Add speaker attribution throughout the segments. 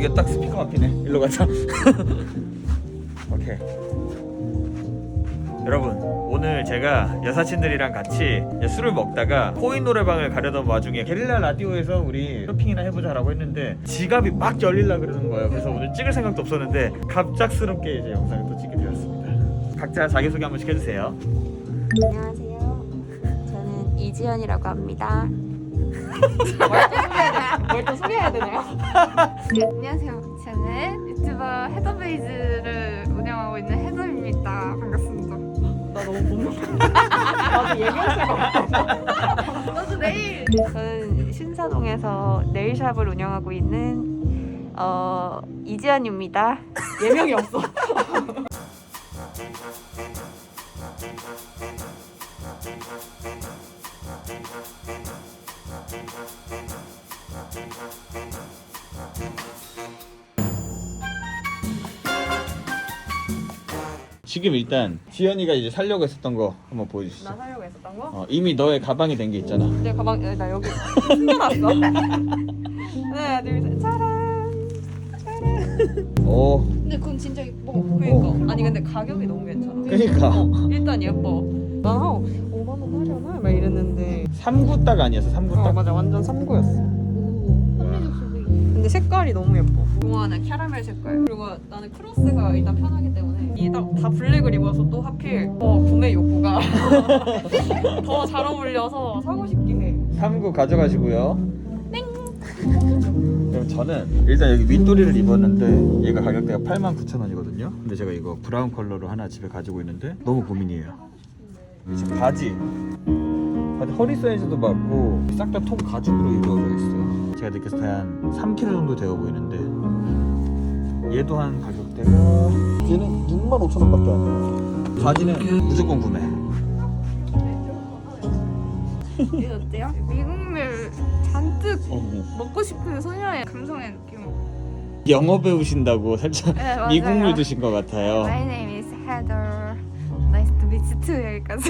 Speaker 1: 여기 딱 스피커 앞이네. 일로 가자. 오케이. 여러분, 오늘 제가 여사친들이랑 같이 술을 먹다가 코인 노래방을 가려던 와중에 게릴라 라디오에서 우리 쇼핑이나 해보자라고 했는데 지갑이 막 열릴라 그러는 거예요. 그래서 오늘 찍을 생각도 없었는데 갑작스럽게 이제 영상을 또 찍게 되었습니다. 각자 자기소개 한 번씩 해주세요.
Speaker 2: 안녕하세요. 저는 이지연이라고 합니다.
Speaker 3: 뭘 또 소개해야 되나요?
Speaker 4: 네, 안녕하세요. 저는 유튜버 헤더베이즈를 운영하고 있는 헤더입니다. 반갑습니다.
Speaker 3: 나 너무 고민. 나도 얘기할 수가 없어.
Speaker 4: 너도 내일
Speaker 2: 저는 신사동에서 네일샵을 운영하고 있는 이지연입니다.
Speaker 3: 예명이 없어.
Speaker 1: 지금 일단 지연이가 이제 살려고 했었던 거 한번 보여주시죠.
Speaker 3: 나 사려고 했었던 거?
Speaker 1: 이미 너의 가방이 된 게 있잖아.
Speaker 3: 내 가방 나 여기 숨겨놨어. 하나 둘 셋. 짜란.
Speaker 1: 오.
Speaker 4: 근데 그건 진짜 예뻐.
Speaker 3: 그러니까 아니 근데 가격이 너무 괜찮아.
Speaker 1: 그러니까.
Speaker 3: 일단 예뻐. 난 5만 원 하려나 막 이랬는데.
Speaker 1: 3구 딱 아니었어? 3구 딱?
Speaker 3: 맞아 완전 3구였어. 근데 색깔이 너무 예뻐. 좋아하는 캐러멜 색깔. 그리고 나는 크로스가 일단 편하기 때문에 이 다 블랙을 입어서 또 하필 구매 욕구가 더 잘 어울려서 사고 싶게 해.
Speaker 1: 3구 가져가시고요. 그럼 저는 일단 여기 윗도리를 입었는데 얘가 가격대가 89,000원이거든요. 근데 제가 이거 브라운 컬러로 하나 집에 가지고 있는데 너무 고민이에요. 지금 바지 허리 사이즈도 맞고 싹 다 통 가죽으로 이루어져 있어요. 제가 느꼈을 때 한 3kg 정도 되어 보이는데 얘도 한 가격대가
Speaker 5: 얘는 65,000원밖에 안 해요.
Speaker 1: 바지는 무조건 구매.
Speaker 4: 이거 어때요? 미국물 잔뜩
Speaker 1: 어머.
Speaker 4: 먹고 싶은 소녀의 감성의 느낌.
Speaker 1: 영어 배우신다고 살짝
Speaker 4: 네, 맞아요.
Speaker 1: 미국물 드신 것 같아요.
Speaker 4: My name is Heather. Nice to meet you too. 여기까지.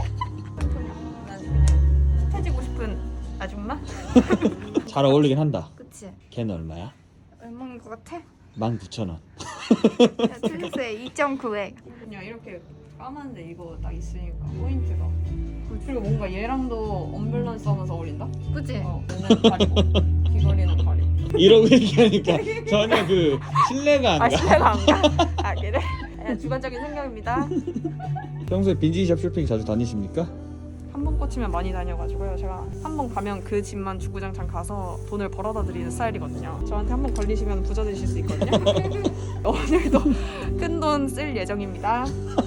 Speaker 3: 힙해지고 싶은 아줌마?
Speaker 1: 잘 어울리긴 한다.
Speaker 4: 그치?
Speaker 1: 걔는 얼마야?
Speaker 4: 얼마인 것 같아?
Speaker 1: 19,000원.
Speaker 4: 틀렸어요. 2.9회.
Speaker 3: 그냥 이렇게 까만데 이거 딱 있으니까 포인트가. 그리고 뭔가 얘랑도 언밸런스하면서 어울린다?
Speaker 4: 그치?
Speaker 3: 얘는 가리고 귀걸이는 가리고.
Speaker 1: 이러고 얘기하니까 전혀 그 신뢰가 안 가.
Speaker 3: 신뢰가 안 가? 아 그래? 그냥 주관적인 생각입니다.
Speaker 1: 평소에 빈티지샵 쇼핑 자주 다니십니까?
Speaker 3: 한 번 꽂히면 많이 다녀가지고요. 제가 한 번 가면 그 집만 주구장창 가서 돈을 벌어다 드리는 스타일이거든요. 저한테 한 번 걸리시면 부자 되실 수 있거든요. 오늘도 큰 돈 쓸 예정입니다.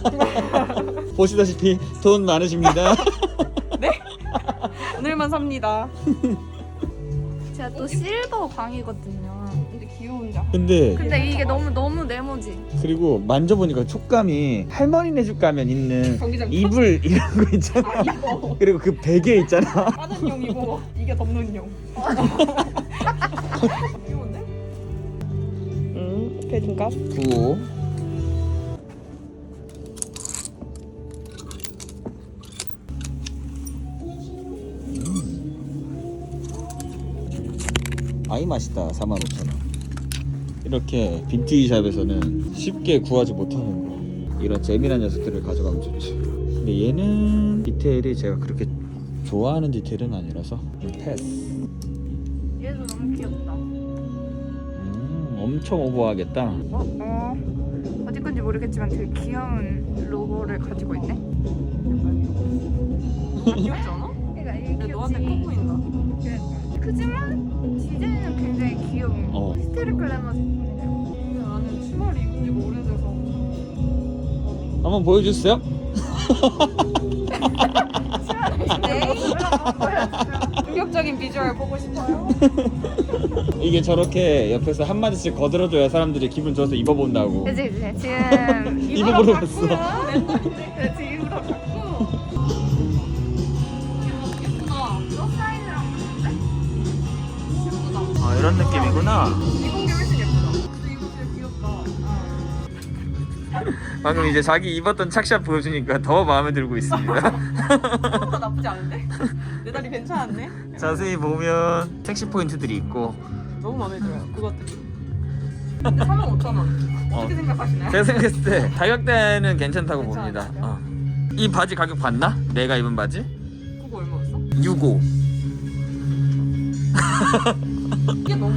Speaker 1: 보시다시피 돈 많으십니다.
Speaker 3: 네? 오늘만 삽니다.
Speaker 4: 제가 또 실버 방이거든요.
Speaker 3: 근데 귀여운다.
Speaker 1: 근데
Speaker 4: 근데 이게 너무 네모지.
Speaker 1: 그리고 만져보니까 촉감이 할머니네 집 가면 있는
Speaker 3: 경기장
Speaker 1: 이불 이런 거 있잖아.
Speaker 3: 아 이거
Speaker 1: 그리고 그 베개 있잖아.
Speaker 3: 까는 용이고 이게 덮는 용. 귀여운데? 패딩값?
Speaker 1: 9. 아이 맛있다. 45,000원. 이렇게 빈티지샵에서는 쉽게 구하지 못하는 거. 이런 재미난 녀석들을 가져가면 좋지. 근데 얘는 디테일이 제가 그렇게 좋아하는 디테일은 아니라서 좀 패스.
Speaker 4: 얘도 너무 귀엽다.
Speaker 1: 엄청 오버하겠다.
Speaker 4: 어디 건지 모르겠지만 되게 귀여운 로고를 가지고 있네.
Speaker 3: 귀엽지 않아?
Speaker 4: 그러니까 이게
Speaker 3: 근데 너한테 커
Speaker 4: 귀엽지.
Speaker 3: 보인다.
Speaker 4: 크지만 디자인은 굉장히 귀여운. 스테르 글래머 제품이네요.
Speaker 3: 근데 나는 치마를 입은 지가 오래돼서
Speaker 1: 한번 보여주세요.
Speaker 3: 충격적인 비주얼 보고 싶어요.
Speaker 1: 이게 저렇게 옆에서 한마디씩 거들어줘야 사람들이 기분 좋아서 입어본다고.
Speaker 4: 그치. 지금
Speaker 1: 입어버렸어.
Speaker 4: 네, 지금 입으로 바꾸고. 예쁘다. 너 사이즈랑 맞는데? 예쁘다.
Speaker 1: 아, 이런 느낌이구나.
Speaker 3: 입은 게 훨씬 예쁘다. 근데 이거 진짜 귀엽다.
Speaker 1: 방금 이제 자기 입었던 착샷 보여주니까 더 마음에 들고 있습니다.
Speaker 3: 생각보다 나쁘지 않은데? 내 다리 괜찮았네?
Speaker 1: 자세히 보면 섹시 포인트들이 있고
Speaker 3: 너무 마음에 들어요. 그것들이. 근데 45,000원.
Speaker 1: 어.
Speaker 3: 어떻게 생각하시나요?
Speaker 1: 제가 생각했을 때 가격대는 괜찮다고
Speaker 3: 괜찮아요?
Speaker 1: 봅니다. 이 바지 가격 봤나? 내가 입은 바지?
Speaker 3: 그거 얼마였어?
Speaker 1: 65.
Speaker 3: 이게 너무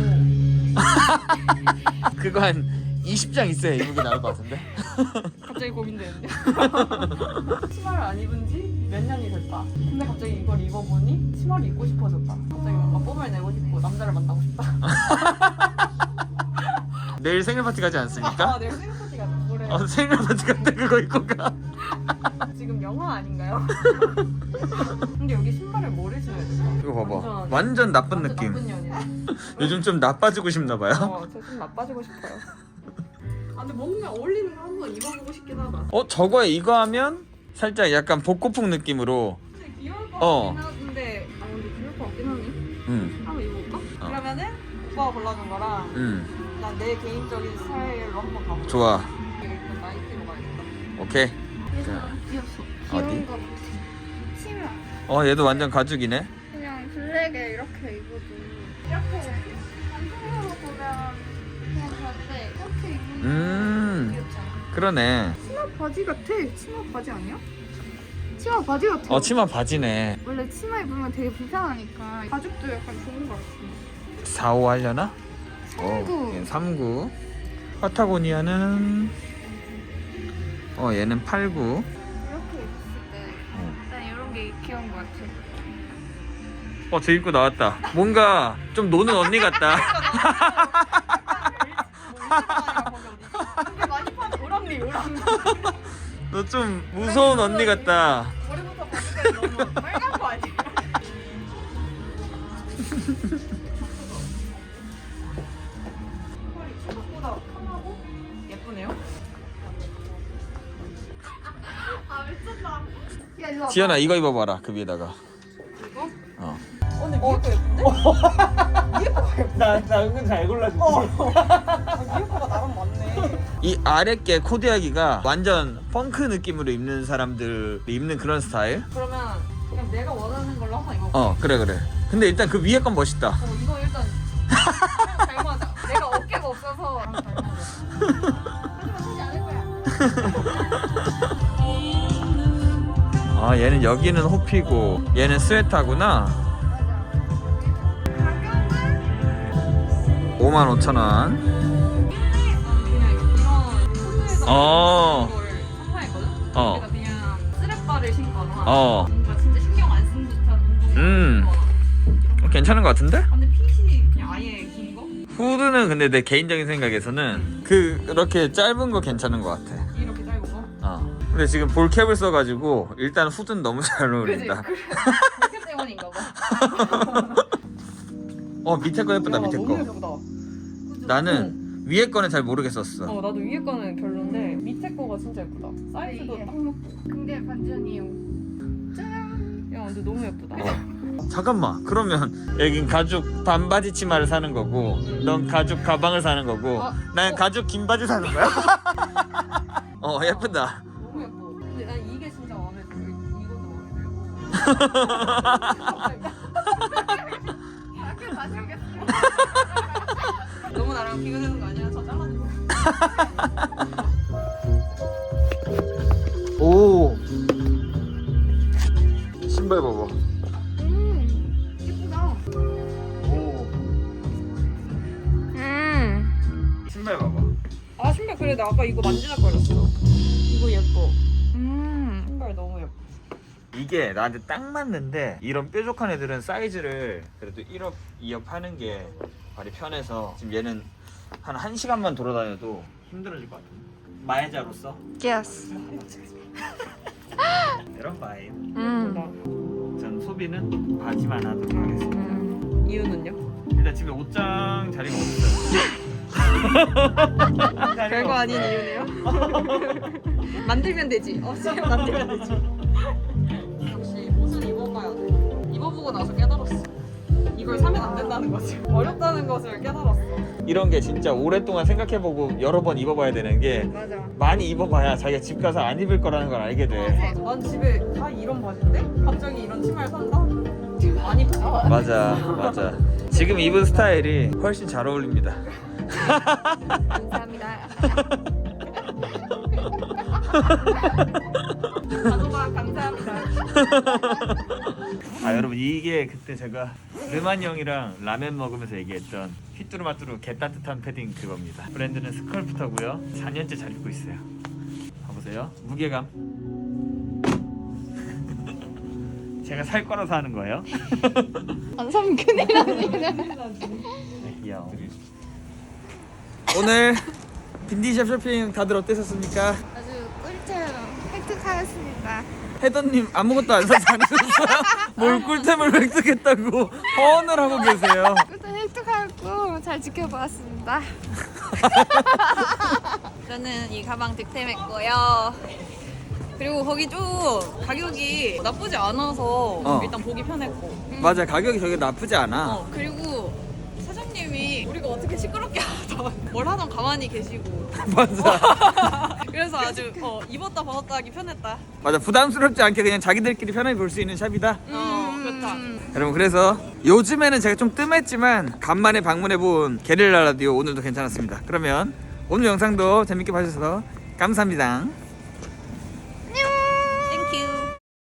Speaker 1: 그거 한 20장 있어야 입은 게 나을 것 같은데?
Speaker 3: 갑자기 고민되는데. 치마를 안 입은 지 몇 년이 됐다. 근데 갑자기 이걸 입어보니 치마를 입고 싶어졌다. 갑자기 뭔가 뽐을 내고 싶고 남자를 만나고 싶다.
Speaker 1: 내일 생일 파티 가지 않습니까?
Speaker 3: 아, 내가 생각하기가 그래.
Speaker 1: 생일 파티 갈 때 그거 입고 가.
Speaker 3: 지금 영화 아닌가요? 근데 여기 신발을 뭐를 신어야 될까?
Speaker 1: 이거 봐봐. 완전 나쁜 느낌.
Speaker 3: 나쁜 년이야.
Speaker 1: 요즘 좀 나빠지고 싶나 봐요.
Speaker 3: 저좀 나빠지고 싶어요. 아, 근데 뭔가 어울리는 거 한번 입어보고 싶긴 하다.
Speaker 1: 저거에 이거 하면 살짝 약간 복고풍 느낌으로.
Speaker 3: 근데 귀여울 것
Speaker 1: 어.
Speaker 3: 같긴 한데, 근데 귀여울 것 같긴 하니. 한번 입어볼까?
Speaker 1: 어.
Speaker 3: 그러면은 오빠가 골라준 거랑 난 내 개인적인 스타일로 한번 가볼까?
Speaker 1: 좋아.
Speaker 3: 이거 일단 나이키로 가야겠다.
Speaker 1: 오케이.
Speaker 4: 귀엽어.
Speaker 1: 어디?
Speaker 4: 귀여운 거 같아. 치마.
Speaker 1: 얘도 완전 가죽이네.
Speaker 4: 그냥 블랙에 이렇게 입어도 이렇게 단풍으로 보면 그냥 그런데 이렇게 입으면 귀엽지 않아?
Speaker 1: 그러네.
Speaker 4: 치마 바지 같아. 치마 바지 아니야? 치마 바지 같아.
Speaker 1: 치마 바지네.
Speaker 4: 원래 치마 입으면 되게 불편하니까 가죽도 약간 좋은 것 같아.
Speaker 1: 4, 5 하려나?
Speaker 4: 39.
Speaker 1: 39. 파타고니아는 얘는 89.
Speaker 4: 이렇게 입었을 때 일단 이런 게 귀여운 것 같아.
Speaker 1: 저 입고 나왔다. 뭔가 좀 노는 언니 같다.
Speaker 3: 근데 많이 파는 오랑니.
Speaker 1: 너 좀 무서운 언니 같다.
Speaker 3: 머리부터 바지까지 너무 빨간 거 아니야? 털이 생각보다 편하고 예쁘네요. 아, 미쳤다. 야, 이거
Speaker 1: 지연아 이거 입어봐라. 그 위에다가.
Speaker 3: 이거?
Speaker 1: 어.
Speaker 3: 근데 위에 거 예쁜데? 위에 거가 예쁜데?
Speaker 1: 나 은근 잘 골라줬지.
Speaker 3: 위에 거가 나랑 맞네.
Speaker 1: 이 아랫게 코디하기가 완전 펑크 느낌으로 입는 사람들 입는 그런 스타일?
Speaker 3: 그러면 그냥 내가 원하는 걸로 한번 입어볼게.
Speaker 1: 그래. 근데 일단 그 위에 건 멋있다.
Speaker 3: 이거 일단 잘 맞아. 내가 어깨가 없어서 잘 맞아. 하지만 사지 않을 거야.
Speaker 1: 얘는 여기는 호피고 얘는 스웨터구나. 55,000원.
Speaker 3: 그냥 이런 코트에서
Speaker 1: 어.
Speaker 3: 걸 선파했거든?
Speaker 1: 어.
Speaker 3: 그러니까 그냥 쓰레빠를 신거나
Speaker 1: 어.
Speaker 3: 뭔가 진짜 신경 안 쓴 듯한 운동을 신거나.
Speaker 1: 괜찮은 것 같은데?
Speaker 3: 근데 핏이 그냥 아예 긴 거?
Speaker 1: 후드는 근데 내 개인적인 생각에서는 그렇게 짧은 거 괜찮은 것 같아.
Speaker 3: 이렇게 짧은 거?
Speaker 1: 근데 지금 볼캡을 써가지고 일단 후드는 너무 잘
Speaker 3: 그지?
Speaker 1: 어울린다.
Speaker 3: 그래. 그렇게 때문인가 봐.
Speaker 1: 밑에 거 예쁘다. 밑에
Speaker 3: 너무
Speaker 1: 거.
Speaker 3: 예쁘다. 그죠?
Speaker 1: 나는 위에 거는 잘 모르겠었어.
Speaker 3: 나도 위에 거는 별론데 밑에 거가 진짜 예쁘다. 사이즈도
Speaker 4: 이게.
Speaker 3: 딱 맞고.
Speaker 4: 근데 반전이요. 짠.
Speaker 3: 야, 근데 너무 예쁘다.
Speaker 1: 잠깐만. 그러면 여긴 가죽 반바지 치마를 사는 거고 넌 가죽 가방을 사는 거고 난 가죽 긴 바지 사는 거야. 예쁘다.
Speaker 3: 너무 예뻐. 근데 난 이게 진짜 마음에 들어. 이것도 마음에 들고.
Speaker 4: 학교 다시 오겠어.
Speaker 3: 너무 나랑 비교되는 거 아니야? 저 잘라줘.
Speaker 1: 오. 신발 봐봐.
Speaker 4: 예쁘다.
Speaker 1: 오. 신발 봐봐.
Speaker 3: 아, 신발 그래. 나 아까 이거 만지작거렸어. 이거 예뻐. 신발 너무 예뻐.
Speaker 1: 이게 나한테 딱 맞는데 이런 뾰족한 애들은 사이즈를 그래도 1업, 2업 하는 게 발이 편해서 지금 얘는 한 1시간만 돌아다녀도 힘들어질 것 같아. 마해자로서
Speaker 2: 예스.
Speaker 1: 이런 바이.
Speaker 2: 음.
Speaker 1: 전 소비는 바지만 하도록 하겠습니다.
Speaker 3: 이유는요?
Speaker 1: 일단 집에 옷장 자리가 없어요.
Speaker 3: 별거 아닌 이유네요. 만들면 되지. 지금 만들면 되지. 역시 옷은 입어봐야 돼. 입어보고 나서 깨달았어. 이걸 사면 안 된다는 거지. 어렵다는 것을 깨달았어.
Speaker 1: 이런 게 진짜 오랫동안 생각해보고 여러 번 입어봐야 되는 게
Speaker 4: 맞아.
Speaker 1: 많이 입어봐야 자기가 집 가서 안 입을 거라는 걸 알게 돼.
Speaker 3: 난 집에 다 이런 바지인데 갑자기 이런 치마를 산다? 많이 봐.
Speaker 1: 맞아. 지금 입은 스타일이 훨씬 잘 어울립니다.
Speaker 4: 감사합니다. 단호박 감사합니다.
Speaker 1: 아 여러분 이게 그때 제가 르만 형이랑 라면 먹으면서 얘기했던 휘뚜루마뚜루 개따뜻한 패딩 그겁니다. 브랜드는 스컬프터고요. 4년째 잘 입고 있어요. 봐보세요. 무게감. 제가 살 거라서 하는 거예요.
Speaker 4: 안 사면 큰일 나네.
Speaker 1: 네, 귀여워. 오늘 빈디샵 쇼핑 다들 어땠었습니까?
Speaker 4: 아주 꿀템 획득하였습니다.
Speaker 1: 해더님 아무것도 안 사서 다니셨어요? 뭘 꿀템을 획득했다고 허언을 하고 계세요.
Speaker 4: 꿀템 획득하였고 잘 지켜보았습니다.
Speaker 3: 저는 이 가방 득템했고요. 그리고 거기 좀 가격이 나쁘지 않아서 일단 보기 편했고.
Speaker 1: 맞아, 가격이 저게 나쁘지 않아.
Speaker 3: 그리고 사장님이 우리가 어떻게 시끄럽게 하던 뭘 하던 가만히 계시고.
Speaker 1: 맞아.
Speaker 3: 그래서 아주 입었다 벗었다 하기 편했다.
Speaker 1: 맞아, 부담스럽지 않게 그냥 자기들끼리 편하게 볼 수 있는 샵이다.
Speaker 3: 그렇다.
Speaker 1: 여러분, 그래서 요즘에는 제가 좀 뜸했지만 간만에 방문해본 게릴라 라디오 오늘도 괜찮았습니다. 그러면 오늘 영상도 재밌게 봐주셔서 감사합니다.